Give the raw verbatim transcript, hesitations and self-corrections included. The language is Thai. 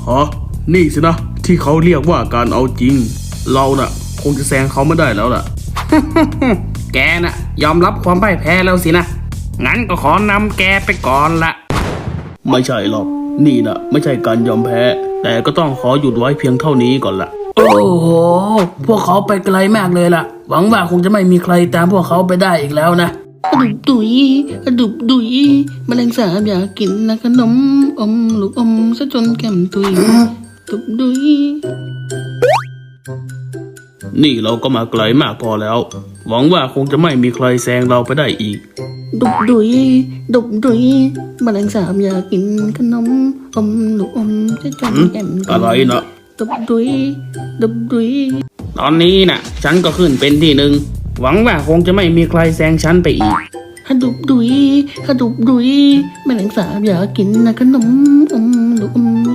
ฮะนี่สินะที่เขาเรียกว่าการเอาจริงเราน่ะคงจะแซงเขาไม่ได้แล้วล่ะแกน่ะยอมรับความพ่ายแพ้แล้วสินะงั้นก็ขอนำแกไปก่อนละไม่ใช่หรอกนี่น่ะไม่ใช่การยอมแพ้แต่ก็ต้องขอหยุดไว้เพียงเท่านี้ก่อนล่ะโอ้โหพวกเขาไปไกลมากเลยล่ะหวังว่าคงจะไม่มีใครตามพวกเขาไปได้อีกแล้วนะกระดุบดุยกระดุบดุยแมลงสาบอยากกินนะขนมอมลูกอมซะจนแก้มตุยดุบดุยนี่เราก็มาไกลมากพอแล้วหวังว่าคงจะไม่มีใครแซงเราไปได้อีกดุบดุยดุบดุยแมลงสาบอยากกินขนมอมลูกอมซะจนแก้มตุยอะไรนะดุบดุยดุบดุยตอนนี้น่ะฉันก็ขึ้นเป็นที่หนึ่งหวังว่าคงจะไม่มีใครแซงฉันไปอีกฮะดุบดุยฮะดุบดุยแมลงสาบอยากกินนะขนมอมลูกอม